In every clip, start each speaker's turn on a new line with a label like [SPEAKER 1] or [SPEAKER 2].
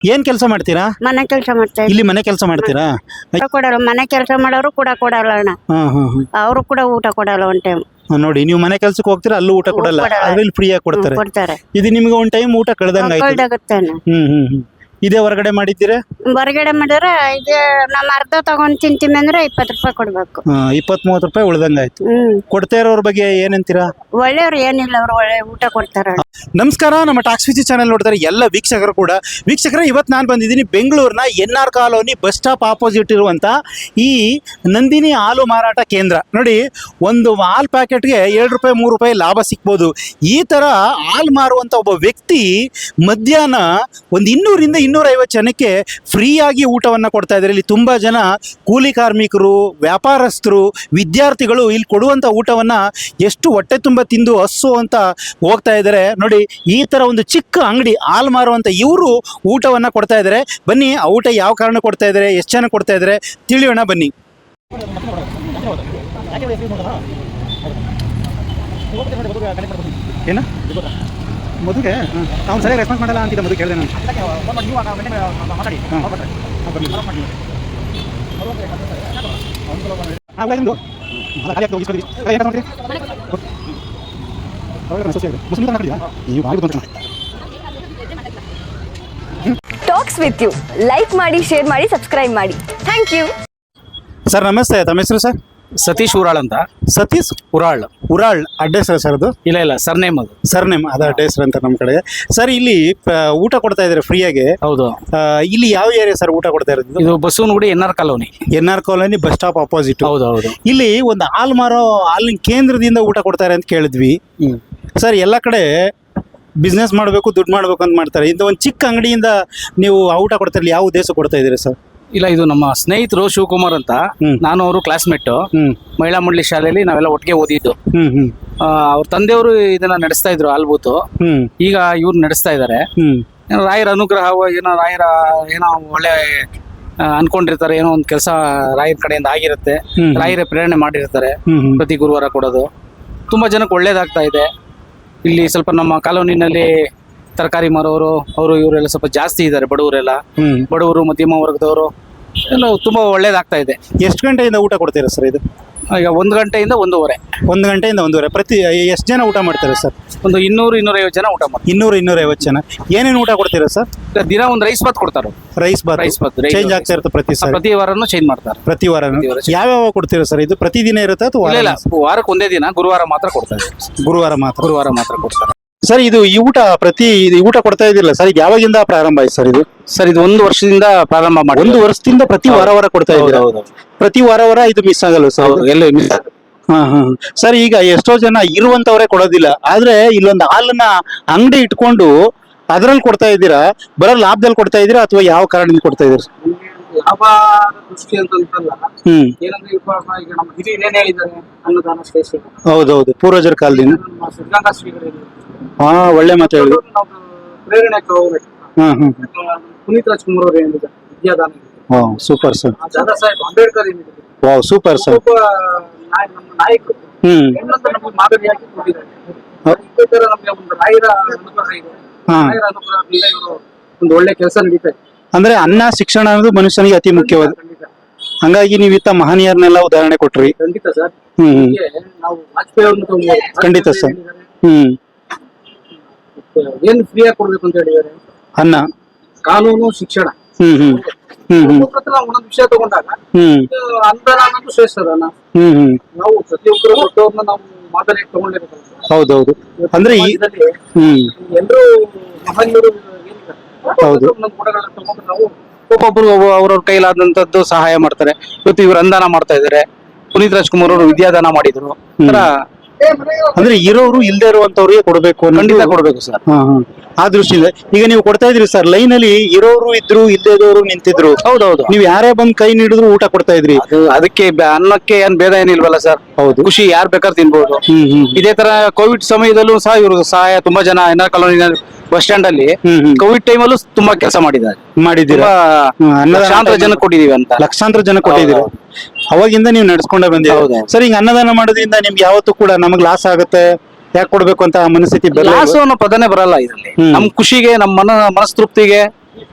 [SPEAKER 1] ಏನ್ ಕೆಲಸ ಮಾಡ್ತೀರಾ?
[SPEAKER 2] ಮನೆ ಕೆಲಸ ಮಾಡ್ತಾ
[SPEAKER 1] ಇಲ್ಲಿ ಮನೆ ಕೆಲಸ ಮಾಡ್ತೀರಾ?
[SPEAKER 2] ಕೊಡಲ್ಲ, ಮನೆ ಕೆಲಸ ಮಾಡೋರು ಕೂಡ ಕೊಡಲ್ಲ ಅಣ್ಣ. ಅವರು ಕೂಡ ಊಟ ಕೊಡಲ್ಲ ಒನ್ ಟೈಮ್.
[SPEAKER 1] ನೋಡಿ, ನೀವು ಮನೆ ಕೆಲ್ಸಕ್ಕೆ ಹೋಗ್ತೀರಾ, ಅಲ್ಲೂ ಊಟ ಕೊಡಲ್ಲ, ಅದ್ರಲ್ಲಿ ಫ್ರೀ ಆಗಿ ಕೊಡ್ತಾರೆ.
[SPEAKER 2] ಕೊಡ್ತಾರೆ.
[SPEAKER 1] ಇದು ನಿಮ್ಗೆ ಒಂದ್ ಟೈಮ್ ಊಟ ಕಳ್ದಂಗ ಆಯ್ತು.
[SPEAKER 2] ಕಳ್ದಾಗುತ್ತೆ ಅಣ್ಣ.
[SPEAKER 1] ಇದೇ ಹೊರಗಡೆ ಮಾಡಿದ್ದೀರಾ?
[SPEAKER 2] ಹೊರಗಡೆ ಮಾಡಿದ್ರೆ ಇದು ನಮ್ಮ ಅರ್ಧ ತಗೊಂಡ್ ತಿಂತೀವಿ ಅಂದ್ರೆ 20 ರೂಪಾಯಿ ಕೊಡ್ಬೇಕು.
[SPEAKER 1] 20-30 ರೂಪಾಯಿ ಉಳ್ದಂಗ ಆಯ್ತು. ಕೊಡ್ತಾ ಇರೋರ ಬಗ್ಗೆ ಏನಂತೀರಾ?
[SPEAKER 2] ಒಳ್ಳೆಯವ್ರು ಏನಿಲ್ಲ, ಅವ್ರು ಒಳ್ಳೆ ಊಟ ಕೊಡ್ತಾರ.
[SPEAKER 1] ನಮಸ್ಕಾರ, ನಮ್ಮ ಟಾಕ್ಸ್ ವಿಜಿ ಚಾನೆಲ್ ನೋಡ್ತಾರೆ ಎಲ್ಲ ವೀಕ್ಷಕರು ಕೂಡ. ವೀಕ್ಷಕರೇ, ಇವತ್ತು ನಾನು ಬಂದಿದ್ದೀನಿ ಬೆಂಗಳೂರಿನ NR colony bus stop opposite ಇರುವಂಥ ಈ ನಂದಿನಿ ಹಾಲು ಮಾರಾಟ ಕೇಂದ್ರ. ನೋಡಿ, ಒಂದು ಹಾಲು ಪ್ಯಾಕೆಟ್ಗೆ 2 ರೂಪಾಯಿ 3 ರೂಪಾಯಿ ಲಾಭ ಸಿಗ್ಬೋದು. ಈ ಥರ ಹಾಲು ಮಾರುವಂಥ ಒಬ್ಬ ವ್ಯಕ್ತಿ ಮಧ್ಯಾಹ್ನ ಒಂದು 200ರಿಂದ 250 ಜನಕ್ಕೆ ಫ್ರೀಯಾಗಿ ಊಟವನ್ನು ಕೊಡ್ತಾ ಇದ್ದಾರೆ. ಇಲ್ಲಿ ತುಂಬ ಜನ ಕೂಲಿ ಕಾರ್ಮಿಕರು, ವ್ಯಾಪಾರಸ್ಥರು, ವಿದ್ಯಾರ್ಥಿಗಳು ಇಲ್ಲಿ ಕೊಡುವಂಥ ಊಟವನ್ನು ಎಷ್ಟು ಹೊಟ್ಟೆ ತುಂಬ ತಿಂದು ಹಸ್ಸು ಅಂತ ಹೋಗ್ತಾ ಇದ್ದಾರೆ. ನೋಡಿ, ಈ ಥರ ಒಂದು ಚಿಕ್ಕ ಅಂಗಡಿ ಹಾಲು ಮಾರುವಂಥ ಇವರು ಊಟವನ್ನು ಕೊಡ್ತಾ ಇದ್ದಾರೆ. ಬನ್ನಿ, ಆ ಊಟ ಯಾವ ಕಾರಣ ಕೊಡ್ತಾ ಇದ್ದಾರೆ, ಎಷ್ಟು ಜನ ಕೊಡ್ತಾ ಇದ್ದಾರೆ ತಿಳಿಯೋಣ ಬನ್ನಿ. ಏನ ಮದುವೆ ಅವ್ನು ಸರಿಯಾಗಿ ರೆಸ್ಪಾನ್ಸ್ ಮಾಡಲ್ಲ ಅಂತಿದ್ದ. ಮದುವೆ ಕೇಳಿದೆ ನಾನು.
[SPEAKER 3] ಟಾಕ್ಸ್ ವಿತ್ ಯು ಲೈಕ್ ಮಾಡಿ, ಶೇರ್ ಮಾಡಿ, ಸಬ್ಸ್ಕ್ರೈಬ್ ಮಾಡಿ. Thank you.
[SPEAKER 1] ಸರ್ ನಮಸ್ತೆ, ತಮ್ಮ ಹೆಸರು ಸರ್?
[SPEAKER 4] ಸತೀಶ್ ಉರಾಳ್ ಅಂತ.
[SPEAKER 1] ಸತೀಶ್ ಉರಾಳ್ ಅಡ್ಡ ಹೆಸರು ಸರ್? ಅದು
[SPEAKER 4] ಇಲ್ಲ ಸರ್ನೇಮ್, ಅದು
[SPEAKER 1] ಸರ್ನೇಮ್, ಅದು ಅಡ್ಡ ಹೆಸರು ಅಂತ ನಮ್ಮ ಕಡೆ. ಸರ್, ಇಲ್ಲಿ ಊಟ ಕೊಡ್ತಾ ಇದ್ದಾರೆ ಫ್ರೀಯಾಗಿ?
[SPEAKER 4] ಹೌದು.
[SPEAKER 1] ಇಲ್ಲಿ ಯಾವ ಏರಿಯಾ ಸರ್ ಊಟ ಕೊಡ್ತಾ ಇರೋದು?
[SPEAKER 4] ಇದು Basavanagudi NR colony.
[SPEAKER 1] NR colony bus stop opposite.
[SPEAKER 4] ಹೌದು.
[SPEAKER 1] ಇಲ್ಲಿ ಒಂದು ಹಾಲು ಮಾರೋ ಹಾಲಿನ ಕೇಂದ್ರದಿಂದ ಊಟ ಕೊಡ್ತಾರೆ ಅಂತ ಕೇಳಿದ್ವಿ. ಸರ್, ಎಲ್ಲ ಕಡೆ ಬಿಸ್ನೆಸ್ ಮಾಡಬೇಕು, ದುಡ್ಡು ಮಾಡಬೇಕು ಅಂತ ಮಾಡ್ತಾರೆ. ಇಂಥ ಒಂದು ಚಿಕ್ಕ ಅಂಗಡಿಯಿಂದ ನೀವು ಊಟ ಕೊಡ್ತಾ ಇರಲಿ, ಯಾವ ಉದ್ದೇಶ ಕೊಡ್ತಾ ಇದ್ದೀರಿ ಸರ್?
[SPEAKER 4] ಇಲ್ಲ, ಇದು ನಮ್ಮ ಸ್ನೇಹಿತರು ಶಿವಕುಮಾರ್ ಅಂತ. ನಾನು ಅವರು ಕ್ಲಾಸ್ಮೇಟ್. ಮಹಿಳಾ ಮಂಡಳಿ ಶಾಲೆಯಲ್ಲಿ ನಾವೆಲ್ಲ ಒಟ್ಟಿಗೆ ಓದಿದ್ದು. ಅವ್ರ ತಂದೆಯವರು ಇದನ್ನ ನಡೆಸ್ತಾ ಇದ್ರು ಹಾಲ್ಬೂತು. ಈಗ ಇವ್ರು ನಡೆಸ್ತಾ ಇದ್ದಾರೆ. ರಾಯರ ಅನುಗ್ರಹ, ಏನೋ ಒಳ್ಳೆ ಅನ್ಕೊಂಡಿರ್ತಾರೆ, ಏನೋ ಒಂದು ಕೆಲಸ ರಾಯರ ಕಡೆಯಿಂದ ಆಗಿರುತ್ತೆ. ರಾಯರೇ ಪ್ರೇರಣೆ ಮಾಡಿರ್ತಾರೆ ಪ್ರತಿ ಗುರುವಾರ ಕೊಡೋದು. ತುಂಬಾ ಜನಕ್ಕೆ ಒಳ್ಳೇದಾಗ್ತಾ ಇದೆ. ಇಲ್ಲಿ ಸ್ವಲ್ಪ ನಮ್ಮ ಕಾಲೋನಿನಲ್ಲಿ ತರಕಾರಿ ಮಾರೋರು ಅವರು ಇವರೆಲ್ಲ ಸ್ವಲ್ಪ ಜಾಸ್ತಿ ಇದ್ದಾರೆ. ಬಡವರು ಮಧ್ಯಮ ವರ್ಗದವರು ಎಲ್ಲ ತುಂಬಾ ಒಳ್ಳೇದಾಗ್ತಾ ಇದೆ.
[SPEAKER 1] ಎಷ್ಟು ಗಂಟೆಯಿಂದ ಊಟ ಕೊಡ್ತೀರಾ ಸರ್ ಇದು?
[SPEAKER 4] ಈಗ 1 ಗಂಟೆಯಿಂದ 1:30.
[SPEAKER 1] 1 ಗಂಟೆಯಿಂದ 1:30. ಪ್ರತಿ ಎಷ್ಟು ಜನ ಊಟ ಮಾಡ್ತಾರೆ ಸರ್?
[SPEAKER 4] ಒಂದು 200-250 ಜನ ಊಟ ಮಾಡ್ತಾರೆ.
[SPEAKER 1] 200-250 ಜನ. ಏನೇನು ಊಟ ಕೊಡ್ತೀರಾ ಸರ್?
[SPEAKER 4] ದಿನ ಒಂದು ರೈಸ್ ಬಾತ್ ಕೊಡ್ತಾರೆ.
[SPEAKER 1] ರೈಸ್ ಬಾತ್ ಚೇಂಜ್ ಆಗ್ತಾ ಇರುತ್ತೆ
[SPEAKER 4] ಪ್ರತಿ ವಾರನೂ ಚೇಂಜ್ ಮಾಡ್ತಾರೆ.
[SPEAKER 1] ಪ್ರತಿ ವಾರ ಯಾವ್ಯಾವ ಕೊಡ್ತೀರಾ ಸರ್? ಇದು ಪ್ರತಿದಿನ ಇರುತ್ತೆ ಅಥವಾ?
[SPEAKER 4] ಇಲ್ಲ, ವಾರಕ್ಕೆ ಒಂದೇ ದಿನ, ಗುರುವಾರ ಮಾತ್ರ ಕೊಡ್ತಾರೆ.
[SPEAKER 1] ಗುರುವಾರ ಮಾತ್ರ
[SPEAKER 4] ಕೊಡ್ತಾರೆ
[SPEAKER 1] ಸರ್. ಇದು ಈ ಊಟ ಕೊಡ್ತಾ ಇದಿಲ್ಲ ಸರ್, ಯಾವಾಗಿಂದ ಪ್ರಾರಂಭ ಆಯ್ತು ಸರ್ ಇದು?
[SPEAKER 4] ಸರ್, ಇದು 1 ವರ್ಷದಿಂದ ಪ್ರಾರಂಭ ಮಾಡಿ.
[SPEAKER 1] 1 ವರ್ಷದಿಂದ ಪ್ರತಿ ವಾರ ಕೊಡ್ತಾ ಇದ್ದೀರಾ? ಪ್ರತಿ ವಾರ ಇದು ಮಿಸ್ ಆಗಲ್ಲ ಸರ್?
[SPEAKER 4] ಎಲ್ಲ ಮಿಸ್.
[SPEAKER 1] ಸರ್, ಈಗ ಎಷ್ಟೋ ಜನ ಇರುವಂತವರೇ ಕೊಡೋದಿಲ್ಲ, ಆದ್ರೆ ಇಲ್ಲೊಂದು ಹಾಲನ್ನ ಅಂಗಡಿ ಇಟ್ಕೊಂಡು ಅದ್ರಲ್ಲಿ ಕೊಡ್ತಾ ಇದ್ದೀರಾ. ಬರೋ ಲಾಭದಲ್ಲಿ ಕೊಡ್ತಾ ಇದ್ದೀರಾ ಅಥವಾ ಯಾವ ಕಾರಣದಿಂದ ಕೊಡ್ತಾ ಇದ್ದೀರಾ?
[SPEAKER 4] ಲಾಭ ದೃಷ್ಟಿ ಅಂತಲ್ಲ, ಏನಂದ್ರೆ ಈಗ ನಮ್ಮ ಹಿರಿಯರು ಏನ್ ಹೇಳಿದ್ದಾರೆ, ಅನ್ನದಾನ ಶ್ರೇಷ್ಠ.
[SPEAKER 1] ಹೌದೌದು, ಪೂರ್ವಜರ ಕಾಲದಿಂದ.
[SPEAKER 4] ಸಿದ್ಧಾಂತ ಶ್ರೀಗಳು
[SPEAKER 1] ಒಳ್ಳೆ ಮಾತು ಹೇಳಿ.
[SPEAKER 4] ಪ್ರೇರಣೆ ಪುನೀತ್ ರಾಜ್ಕುಮಾರ್ ಅವರು ಏನಿದ್ದಾರೆ ವಿದ್ಯಾದಾನ.
[SPEAKER 1] Super sir.
[SPEAKER 4] ದಾದಾ ಸಾಹೇಬ್ ಅಂಬೇಡ್ಕರ್ ಏನಿದ್ದಾರೆ.
[SPEAKER 1] Wow, super sir.
[SPEAKER 4] ನಮ್ಮ ನಾಯಕರು ನಮಗೆ ಮಾದರಿಯಾಗಿ ಕೊಟ್ಟಿದ್ದಾರೆ. ಇದೇ ತರ ನಮಗೆ ಒಂದು ರಾಯರ ಅನುಗ್ರಹ ಇದೆ. ರಾಯರ ಅನುಗ್ರಹದಿಂದ ಇವರು ಒಂದು ಒಳ್ಳೆ ಕೆಲಸ ನಡೀತಾ ಇದೆ.
[SPEAKER 1] ಅಂದ್ರೆ ಅನ್ನ ಶಿಕ್ಷಣ ಅನ್ನೋದು ಮನುಷ್ಯನಿಗೆ ಅತಿ ಮುಖ್ಯವಾದ. ಹಂಗಾಗಿ ನೀವು ಇತ್ತ ಮಹನೀಯರನ್ನೆಲ್ಲ ಉದಾಹರಣೆ ಕೊಟ್ರಿ.
[SPEAKER 4] ಖಂಡಿತ ಸರ್. ನಾವು ವಾಜಪೇಯಿ ಅವ್ರನ್ನ
[SPEAKER 1] ಖಂಡಿತ ಸರ್.
[SPEAKER 4] ಏನು ಫ್ರೀಯಾಗಿ ಕೊಡ್ಬೇಕು ಅಂತ ಹೇಳಿದ್ದಾರೆ.
[SPEAKER 1] ಅನ್ನ,
[SPEAKER 4] ಕಾನೂನು, ಶಿಕ್ಷಣ. ಒಂದೊಂದು ವಿಷಯ ತಗೊಂಡಾಗ ಅನುದಾನ ಅನ್ನೋದು ಶ್ರೇಷ್ಠ ಅದಾನ. ನಾವು ಪ್ರತಿಯೊಬ್ಬರು ದೊಡ್ಡವ್ರನ್ನ ನಾವು ಮಾದರಿಯಾಗಿ ತಗೊಂಡಿರ್ಬೇಕು.
[SPEAKER 1] ಹೌದೌದು. ಅಂದ್ರೆ
[SPEAKER 4] ಎಲ್ಲರೂ ಮಹನೀಯರು
[SPEAKER 1] ಹೌದು.
[SPEAKER 4] ಗುಣಗಳನ್ನ ತಗೊಂಡು ನಾವು ಒಬ್ಬೊಬ್ರು ಅವ್ರವ್ರ ಕೈಲಾದಂತದ್ದು ಸಹಾಯ ಮಾಡ್ತಾರೆ. ಇವತ್ತು ಇವ್ರು ಅನುದಾನ ಮಾಡ್ತಾ ಇದಾರೆ. ಪುನೀತ್ ರಾಜ್ಕುಮಾರ್ ಅವರು ವಿದ್ಯಾದಾನ ಮಾಡಿದ್ರು.
[SPEAKER 1] ಅಂದ್ರೆ ಇರೋರು ಇಲ್ದೇ ಇರುವಂತವ್ರಿಗೆ ಕೊಡ್ಬೇಕು.
[SPEAKER 4] ಖಂಡಿತ ಕೊಡ್ಬೇಕು ಸರ್.
[SPEAKER 1] ಆ ದೃಷ್ಟಿಯಿಂದ ಈಗ ನೀವು ಕೊಡ್ತಾ ಇದ್ರಿ ಸರ್. ಲೈನ್ ಅಲ್ಲಿ ಇರೋರು ಇದ್ರು, ಇಲ್ಲದೇ ಇರೋರು ನಿಂತಿದ್ರು.
[SPEAKER 4] ಹೌದೌದು.
[SPEAKER 1] ನೀವು ಯಾರೇ ಬಂದ್ ಕೈ ನೀಡಿದ್ರು ಊಟ ಕೊಡ್ತಾ ಇದ್ರಿ.
[SPEAKER 4] ಅದಕ್ಕೆ ಅನ್ನಕ್ಕೆ ಏನ್ ಭೇದ ಏನಿಲ್ವಲ್ಲ ಸರ್.
[SPEAKER 1] ಹೌದು,
[SPEAKER 4] ಖುಷಿ ಯಾರು ಬೇಕಾದ್ರೆ ತಿನ್ಬಹುದು. ಇದೇ ತರ ಕೋವಿಡ್ ಸಮಯದಲ್ಲೂ ಸಹ ಇವರು ಸಹಾಯ ತುಂಬಾ ಜನ NR ಕಾಲೋನಿ ಬಸ್ ಸ್ಟ್ಯಾಂಡ್ ಅಲ್ಲಿ ಕೋವಿಡ್ ಟೈಮ್ ಅಲ್ಲೂ ತುಂಬಾ ಕೆಲಸ ಮಾಡಿದ್ದೀರಾ. ಲಕ್ಷಾಂತರ ಜನ ಕೊಟ್ಟಿದೀವಿ ಅಂತ.
[SPEAKER 1] ಲಕ್ಷಾಂತರ ಜನ ಕೊಟ್ಟಿದ್ದೀರಾ. ಅವಾಗಿಂದ ನೀವು ನಡ್ಸ್ಕೊಂಡೇ ಬಂದಿದ್ದೀರಾ ಸರ್. ಈಗ ಅನ್ನದಾನ ಮಾಡೋದ್ರಿಂದ ನಿಮ್ಗೆ ಯಾವತ್ತೂ ಕೂಡ ನಮಗ್ ಲಾಸ್ ಆಗುತ್ತೆ, ಯಾಕೆ ಕೊಡ್ಬೇಕು ಅಂತ ಮನಸ್ಥಿತಿ
[SPEAKER 4] ಲಾಸ್ ಅನ್ನೋ ಪದನೇ ಬರಲ್ಲ ಇದರಲ್ಲಿ. ನಮ್ ಖುಷಿಗೆ, ನಮ್ಮ ಮನಸ್ತೃಪ್ತಿಗೆ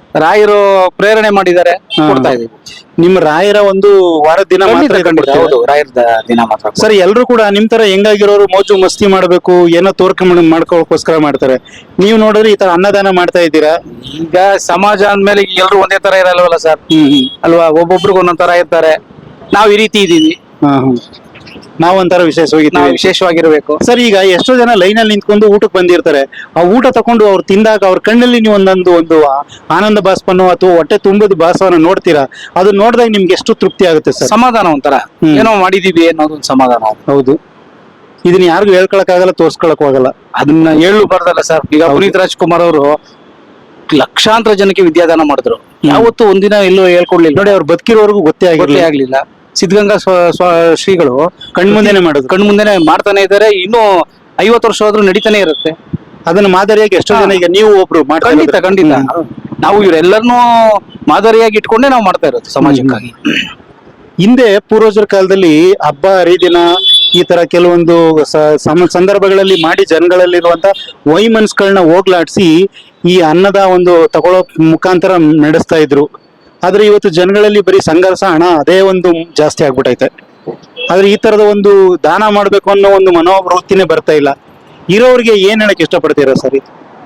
[SPEAKER 4] ರಾಯರು ಪ್ರೇರಣೆ ಮಾಡಿದ್ದಾರೆ, ಕೊಡ್ತಾ ಇದೀವಿ.
[SPEAKER 1] ನಿಮ್ಮ ರಾಯರ ಒಂದು ವಾರದ ದಿನ ಮಾತ್ರ
[SPEAKER 4] ಖಂಡಿತ,
[SPEAKER 1] ಇದು
[SPEAKER 4] ಖಂಡಿತ.
[SPEAKER 1] ಕೊಡ್ತೀರಾ?
[SPEAKER 4] ಹೌದು, ರಾಯರ ದಿನ ಮಾತ್ರ.
[SPEAKER 1] ಸರ್ ಎಲ್ರು ಕೂಡ ನಿಮ್ ತರ ಹೆಂಗಾಗಿರೋರು ಮೋಜು ಮಸ್ತಿ ಮಾಡ್ಬೇಕು ಏನೋ ಮಾಡ್ಕೋಕ್ಕೋಸ್ಕರ ಮಾಡ್ತಾರೆ. ನೀವು ನೋಡಿದ್ರೆ ಈ ತರ ಅನ್ನದಾನ ಮಾಡ್ತಾ ಇದ್ದೀರಾ.
[SPEAKER 4] ಈಗ ಸಮಾಜ ಅಂದ್ಮೇಲೆ ಎಲ್ರು ಒಂದೇ ತರ ಇರಲ್ವಲ್ಲ ಸರ್, ಅಲ್ವಾ? ಒಬ್ಬೊಬ್ರಿಗೆ ಒಂದೊಂದ್ ತರ ಇರ್ತಾರೆ. ನಾವ್ ಈ ರೀತಿ ಇದೀವಿ,
[SPEAKER 1] ನಾವೊಂಥರ ವಿಶೇಷವಾಗಿ
[SPEAKER 4] ನಾವು ವಿಶೇಷವಾಗಿರ್ಬೇಕು.
[SPEAKER 1] ಸರ್ ಈಗ ಎಷ್ಟೋ ಜನ ಲೈನ್ ಅಲ್ಲಿ ನಿಂತ್ಕೊಂಡು ಊಟಕ್ಕೆ ಬಂದಿರ್ತಾರೆ. ಆ ಊಟ ತಕೊಂಡು ಅವ್ರು ತಿಂದಾಗ ಅವ್ರ ಕಣ್ಣಲ್ಲಿ ನೀವು ಒಂದು ಆನಂದ ಭಾಸ್ಪನೋ ಅಥವಾ ಹೊಟ್ಟೆ ತುಂಬದ ಭಾಸವನ್ನ ನೋಡ್ತೀರಾ. ಅದು ನೋಡಿದಾಗ ನಿಮ್ಗೆ ಎಷ್ಟು ತೃಪ್ತಿ ಆಗುತ್ತೆ ಸರ್?
[SPEAKER 4] ಸಮಾಧಾನ ಒಂಥರ, ಏನೋ ಮಾಡಿದೀವಿ ಅನ್ನೋದೊಂದು ಸಮಾಧಾನ.
[SPEAKER 1] ಹೌದು, ಇದನ್ನ ಯಾರಿಗೂ ಹೇಳ್ಕೊಳಕ್ ಆಗಲ್ಲ, ತೋರ್ಸ್ಕೊಳಕ್ ಆಗಲ್ಲ.
[SPEAKER 4] ಅದನ್ನ ಹೇಳಬಾರ್ದಲ್ಲ ಸರ್. ಈಗ ಪುನೀತ್ ರಾಜ್ಕುಮಾರ್ ಅವರು ಲಕ್ಷಾಂತರ ಜನಕ್ಕೆ ವಿದ್ಯಾದಾನ ಮಾಡಿದ್ರು. ಯಾವತ್ತೂ ಒಂದಿನ ಎಲ್ಲೋ ಹೇಳ್ಕೊಡ್ಲಿಲ್ಲ
[SPEAKER 1] ನೋಡಿ, ಅವ್ರು ಬದುಕಿರೋರ್ಗು ಗೊತ್ತೇ
[SPEAKER 4] ಗೊತ್ತೇ ಆಗ್ಲಿಲ್ಲ. ಸಿದ್ಧಗಂಗಾ ಶ್ರೀಗಳು
[SPEAKER 1] ಕಣ್ಮುಂದೆನೆ ಮಾಡೋದು,
[SPEAKER 4] ಕಣ್ಮುಂದೆನೆ ಮಾಡ್ತಾನೆ ಇದ್ದಾರೆ. ಇನ್ನೂ 50 ವರ್ಷ ಆದ್ರೂ ನಡೀತಾನೆ ಇರುತ್ತೆ.
[SPEAKER 1] ಅದನ್ನ ಮಾದರಿಯಾಗಿ ಎಷ್ಟೋ ಜನ ಈಗ ನೀವು ಒಬ್ರು
[SPEAKER 4] ಖಂಡಿತ, ಖಂಡಿತ. ನಾವು ಇವರೆಲ್ಲರನ್ನೂ ಮಾದರಿಯಾಗಿ ಇಟ್ಕೊಂಡೇ ನಾವು ಮಾಡ್ತಾ ಇರೋದು ಸಮಾಜಕ್ಕಾಗಿ.
[SPEAKER 1] ಹಿಂದೆ ಪೂರ್ವಜರ ಕಾಲದಲ್ಲಿ ಹಬ್ಬ ಹರಿದಿನ ಈ ತರ ಕೆಲವೊಂದು ಸಂದರ್ಭಗಳಲ್ಲಿ ಮಾಡಿ ಜನಗಳಲ್ಲಿರುವಂತ ವೈಮನಸ್ಗಳನ್ನ ಹೋಗ್ಲಾಡ್ಸಿ ಈ ಅನ್ನದ ಒಂದು ತಗೊಳ್ಳೋ ಮುಖಾಂತರ ನಡೆಸ್ತಾ ಇದ್ರು. ಆದ್ರೆ ಇವತ್ತು ಜನಗಳಲ್ಲಿ ಬರೀ ಸಂಘರ್ಷ, ಹಣ ಅದೇ ಒಂದು ಜಾಸ್ತಿ ಆಗ್ಬಿಟ್ಟೈತೆ. ಆದ್ರೆ ಈ ತರದ ಒಂದು ದಾನ ಮಾಡ್ಬೇಕು ಅನ್ನೋ ಒಂದು ಮನೋವೃತ್ತಿನೇ ಬರ್ತಾ ಇಲ್ಲ. ಇರೋರಿಗೆ ಏನ್ ಹೇಳಕ್ ಇಷ್ಟಪಡ್ತೀರಾ ಸರಿ?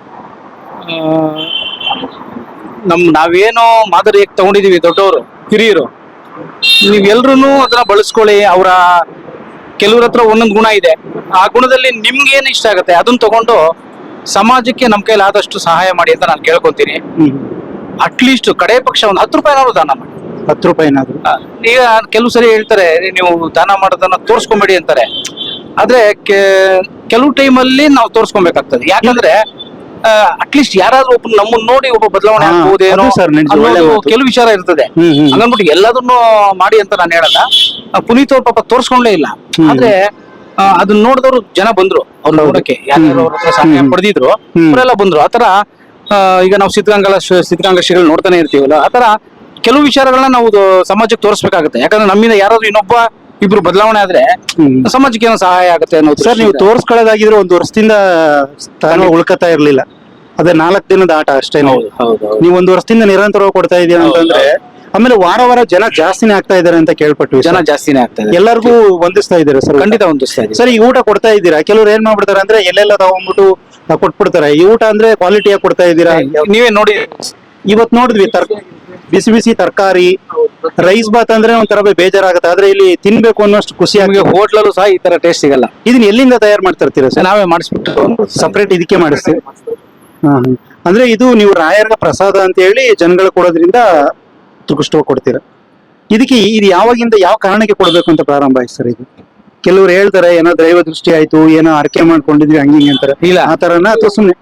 [SPEAKER 4] ನಾವೇನೋ ಮಾದರಿಯಾಗಿ ತಗೊಂಡಿದೀವಿ ದೊಡ್ಡವರು ಹಿರಿಯರು, ನೀವೆಲ್ರೂ ಅದನ್ನ ಬಳಸ್ಕೊಳ್ಳಿ. ಅವರ ಕೆಲವ್ರ ಹತ್ರ ಒಂದೊಂದು ಗುಣ ಇದೆ, ಆ ಗುಣದಲ್ಲಿ ನಿಮ್ಗೆ ಏನ್ ಇಷ್ಟ ಆಗುತ್ತೆ ಅದನ್ನ ತಗೊಂಡು ಸಮಾಜಕ್ಕೆ ನಮ್ ಕೈಲಿ ಆದಷ್ಟು ಸಹಾಯ ಮಾಡಿ ಅಂತ ನಾನು ಕೇಳ್ಕೊಂತೀನಿ. ಅಟ್ಲೀಸ್ಟ್ ಕಡೆ ಪಕ್ಷ ಒಂದು 10 ರೂಪಾಯಿನಾದ್ರು ದಾನ ಮಾಡಿ.
[SPEAKER 1] 10 ರೂಪಾಯಿನಾದ್ರು.
[SPEAKER 4] ಈಗ ಕೆಲವು ಸರಿ ಹೇಳ್ತಾರೆ ನೀವು ದಾನ ಮಾಡೋದನ್ನ ತೋರ್ಸ್ಕೊಂಬೇಡಿ ಅಂತಾರೆ. ಆದ್ರೆ ಕೆಲವು ಟೈಮಲ್ಲಿ ನಾವು ತೋರ್ಸ್ಕೊಬೇಕಾಗ್ತದೆ. ಯಾಕಂದ್ರೆ ಅಟ್ಲೀಸ್ಟ್ ಯಾರಾದ್ರೂ ಒಬ್ಬ ನಮ್ಮನ್ನ ನೋಡಿ ಒಬ್ಬ ಬದಲಾವಣೆ ಆಗ್ಬೋದೇನೋ ಅನ್ನೋದು ಕೆಲವು ವಿಚಾರ ಇರ್ತದೆ. ಹಂಗನ್ಬಿಟ್ಟು ಎಲ್ಲದನ್ನು ಮಾಡಿ ಅಂತ ನಾನು ಹೇಳಲ್ಲ. ಪುನೀತ್ ಅವ್ರ ಪಾಪ ತೋರ್ಸ್ಕೊಂಡ್ಲೇ ಇಲ್ಲ. ಆದ್ರೆ ಅದನ್ನ ನೋಡಿದವರು ಜನ ಬಂದ್ರು ಅವ್ರ ನೋಡಕ್ಕೆ, ಯಾರ್ಯಾರು ಅವ್ರ ಹತ್ರ ಸಹಾಯ ಪಡೆದಿದ್ರು ಅವರೆಲ್ಲ ಬಂದ್ರು. ಆತರ ಈಗ ನಾವು ಸಿದ್ಧಗಂಗಾ ಶ್ರೀಗಳು ನೋಡ್ತಾನೆ ಇರ್ತೀವಲ್ಲ, ಆತರ ಕೆಲವು ವಿಚಾರಗಳನ್ನ ನಾವು ಸಮಾಜಕ್ಕೆ ತೋರಿಸ್ಬೇಕಾಗುತ್ತೆ. ಯಾಕಂದ್ರೆ ನಮ್ಮಿಂದ ಯಾರಾದ್ರೂ ಇನ್ನೊಬ್ಬ ಇಬ್ರು ಬದಲಾವಣೆ ಆದ್ರೆ ಸಮಾಜಕ್ಕೆ ಏನೋ ಸಹಾಯ ಆಗುತ್ತೆ ಅನ್ನೋದು.
[SPEAKER 1] ಸರ್ ನೀವು ತೋರ್ಸ್ಕೊಳ್ಳೋದಾಗಿದ್ರೆ 1 ವರ್ಷದಿಂದ ಸ್ಥಾನ ಉಳ್ಕತಾ ಇರ್ಲಿಲ್ಲ. ಅದೇ 4 ದಿನದ ಆಟ ಅಷ್ಟೇ. ನೀವು 1 ವರ್ಷದಿಂದ ನಿರಂತರವಾಗಿ ಕೊಡ್ತಾ ಇದೀರ ಅಂತಂದ್ರೆ ಆಮೇಲೆ ವಾರ ವಾರ ಜನ ಜಾಸ್ತಿನೇ ಆಗ್ತಾ ಇದಾರೆ ಅಂತ ಕೇಳ್ಪಟ್ವಿ.
[SPEAKER 4] ಜನ ಜಾಸ್ತಿನೇ ಆಗ್ತಾ ಇದೆ,
[SPEAKER 1] ಎಲ್ಲರಿಗೂ ಹೊಂದಿಸ್ತಾ ಇದಾರೆ ಸರ್?
[SPEAKER 4] ಖಂಡಿತ ಹೊಂದಿಸ್ತಾ ಇದ್ದಾರೆ
[SPEAKER 1] ಸರ್. ಈ ಊಟ ಕೊಡ್ತಾ ಇದ್ದೀರಾ, ಕೆಲವ್ರು ಏನ್ ಮಾಡ್ಬಿಡ್ತಾರೆ ಅಂದ್ರೆ ಎಲ್ಲೆಲ್ಲ ತಗೊಂಡ್ಬಿಟ್ಟು ಕೊಟ್ಬಿಡ್ತಾರೆ. ಈ ಊಟ ಅಂದ್ರೆ ಕ್ವಾಲಿಟಿಯಾಗಿ ಕೊಡ್ತಾ ಇದ್ದೀರಾ?
[SPEAKER 4] ನೀವೇ ನೋಡಿ,
[SPEAKER 1] ಇವತ್ ನೋಡಿದ್ವಿ ಬಿಸಿ ಬಿಸಿ ತರಕಾರಿ, ರೈಸ್ ಬಾತ್ ಅಂದ್ರೆ ಒಂಥರ ಬೇಜಾರಾಗುತ್ತೆ. ಆದ್ರೆ ಇಲ್ಲಿ ತಿನ್ಬೇಕು ಅನ್ನೋಷ್ಟು ಖುಷಿ ಆಗಿ
[SPEAKER 4] ಹೋಟ್ಲಲ್ಲೂ ಸಹ ಈ ತರ ಟೇಸ್ಟ್ ಸಿಗಲ್ಲ.
[SPEAKER 1] ಇದನ್ನ ಎಲ್ಲಿಂದ ತಯಾರು ಮಾಡ್ತಾ ಇರ್ತೀರಾ ಸರ್?
[SPEAKER 4] ನಾವೇ ಮಾಡಿಸ್ಬಿಟ್ಟು
[SPEAKER 1] ಸಪರೇಟ್ ಇದಕ್ಕೆ ಮಾಡಿಸ್ತೀವಿ. ಅಂದ್ರೆ ಇದು ನೀವು ರಾಯರ್ಗ ಪ್ರಸಾದ ಅಂತ ಹೇಳಿ ಜನಗಳು ಕೊಡೋದ್ರಿಂದ ತುಕುಷ್ಟವಾಗಿ ಕೊಡ್ತೀರಾ. ಇದಕ್ಕೆ ಇದು ಯಾವಾಗಿಂದ ಯಾವ ಕಾರಣಕ್ಕೆ ಕೊಡ್ಬೇಕು ಅಂತ ಪ್ರಾರಂಭ ಆಯ್ತು ಸರ್ ಇದು? ಕೆಲವ್ರು ಹೇಳ್ತಾರೆ ಏನೋ ದೈವ ದೃಷ್ಟಿ ಆಯ್ತು, ಏನೋ ಅರ್ಕೆ ಮಾಡ್ಕೊಂಡಿದ್ವಿ ಹಂಗಿಂಗ್ ಅಂತಾರೆ.
[SPEAKER 4] ಇಲ್ಲ
[SPEAKER 1] ಆ ತರನ ಅಥವಾ ಸುಮ್ಮನೆ?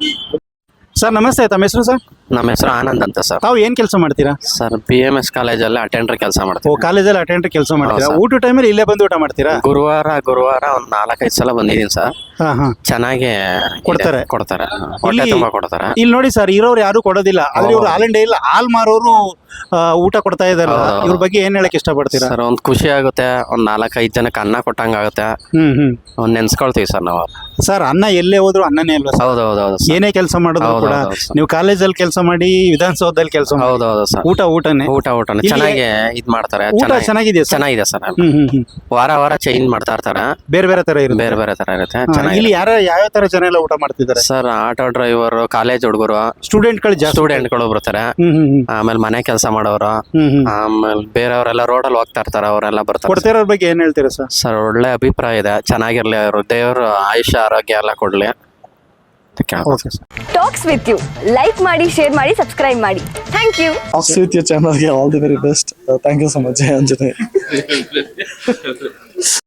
[SPEAKER 1] ಸರ್ ನಮಸ್ತೆ, ತಮ್ಮ ಹೆಸರು ಸರ್?
[SPEAKER 5] ನಮ್ಮ ಹೆಸರು ಆನಂದ್ ಅಂತ ಸರ್.
[SPEAKER 1] ತಾವು ಏನ್ ಕೆಲಸ ಮಾಡ್ತೀರಾ
[SPEAKER 5] ಸರ್? BMS ಕಾಲೇಜಲ್ಲಿ ಅಟೆಂಡರ್ ಕೆಲಸ ಮಾಡ್ತೀವಿ.
[SPEAKER 1] ಕಾಲೇಜಲ್ಲಿ ಅಟೆಂಡರ್ ಕೆಲಸ ಮಾಡ್ತೀರಾ?
[SPEAKER 5] ಹೌದು
[SPEAKER 1] ಊಟ ಟೈಮಲ್ಲಿ ಇಲ್ಲೇ ಬಂದು ಊಟ ಮಾಡ್ತೀರಾ?
[SPEAKER 5] ಗುರುವಾರ ಒಂದ್ 4-5 ಸಲ ಬಂದಿದ್ದೀನಿ ಸರ್. ಚೆನ್ನಾಗಿ
[SPEAKER 1] ಕೊಡ್ತಾರೆ.
[SPEAKER 5] ಕೊಡ್ತಾರೆ, ಹೊಟ್ಟೆ ತುಂಬಾ ಕೊಡ್ತಾರೆ.
[SPEAKER 1] ಇಲ್ಲಿ ನೋಡಿ ಸರ್, ಇರೋರು ಯಾರು ಕೊಡೋದಿಲ್ಲ. ಆದ್ರೆ ಇವ್ರು ಆಲ್ ಇಂಡಿಯಾ ಹಾಲ್ ಮಾರೋರು ಊಟ ಕೊಡ್ತಾ ಇದಾರೆ. ಇವ್ರ ಬಗ್ಗೆ ಏನ್ ಹೇಳಕ್ ಇಷ್ಟಪಡ್ತೀರಾ
[SPEAKER 5] ಸರ್? ಒಂದ್ ಖುಷಿ ಆಗುತ್ತೆ, ಒಂದ್ 4-5 ಜನಕ್ಕೆ ಅನ್ನ ಕೊಟ್ಟಂಗ ಆಗುತ್ತೆ. ಒಂದ್ ನೆನ್ಸ್ಕೊಳ್ತೀವಿ ಸರ್ ನಾವು.
[SPEAKER 1] ಸರ್ ಅನ್ನ ಎಲ್ಲೇ ಹೋದ್ರು ಅನ್ನನೇ ಅಲ್ವಾ?
[SPEAKER 5] ಹೌದೌದು.
[SPEAKER 1] ಏನೇ ಕೆಲಸ ಮಾಡಿದ್ರು ಕೂಡ ನೀವು ಕಾಲೇಜಲ್ಲಿ ಕೆಲಸ ಮಾಡಿ, ವಿಧಾನಸೌಧದಲ್ಲಿ ಕೆಲಸ ಮಾಡಿ,
[SPEAKER 5] ಹೌದೌದು ಸರ್.
[SPEAKER 1] ಊಟನೇ
[SPEAKER 5] ಚೆನ್ನಾಗಿ ಇದ್ ಮಾಡ್ತಾರೆ.
[SPEAKER 1] ಚೆನ್ನಾಗಿದೆ
[SPEAKER 5] ಚೆನ್ನಾಗಿದೆ ಸರ್. ವಾರ ವಾರ ಚೇಂಜ್ ಮಾಡ್ತಾ ಇರ್ತಾರೆ,
[SPEAKER 1] ಬೇರೆ ಬೇರೆ ತರ ಇರುತ್ತೆ.
[SPEAKER 5] ಬೇರೆ ಬೇರೆ ತರ ಇರುತ್ತೆ.
[SPEAKER 1] ಇಲ್ಲಿ ಯಾವ ತರ ಜನ ಎಲ್ಲ ಊಟ ಮಾಡ್ತಿದ್ದಾರೆ
[SPEAKER 5] ಸರ್? ಆಟೋ ಡ್ರೈವರ್, ಕಾಲೇಜ್ ಹುಡುಗರು, ಸ್ಟೂಡೆಂಟ್ಗಳು ಬರ್ತಾರೆ. ಆಮೇಲೆ ಮನೆ ಕೆಲಸ ಮಾಡೋರು, ಆಮೇಲೆ ಬೇರೆಯವರೆಲ್ಲ ರೋಡಲ್ಲಿ ಹೋಗ್ತಾ ಇರ್ತಾರೆ, ಅವರೆಲ್ಲ ಬರ್ತಾರೆ.
[SPEAKER 1] ಕೊಡ್ತಿರೋರ್ ಬಗ್ಗೆ ಏನ್ ಹೇಳ್ತೀರಾ ಸರ್?
[SPEAKER 5] ಸರ್ ಒಳ್ಳೆ ಅಭಿಪ್ರಾಯ ಇದೆ, ಚೆನ್ನಾಗಿರ್ಲಿ ಅವರು, ದೇವರು ಆಯುಷ್ಯ ಆರೋಗ್ಯ ಎಲ್ಲ ಕೊಡ್ಲಿ.
[SPEAKER 3] ಟಾಕ್ಸ್ ವಿತ್ ಯು ಲೈಕ್ ಮಾಡಿ, ಶೇರ್ ಮಾಡಿ, ಸಬ್ಸ್ಕ್ರೈಬ್ ಮಾಡಿ. Thank you.
[SPEAKER 6] Talks with your channel, all the very best. Thank you so much, Anjane.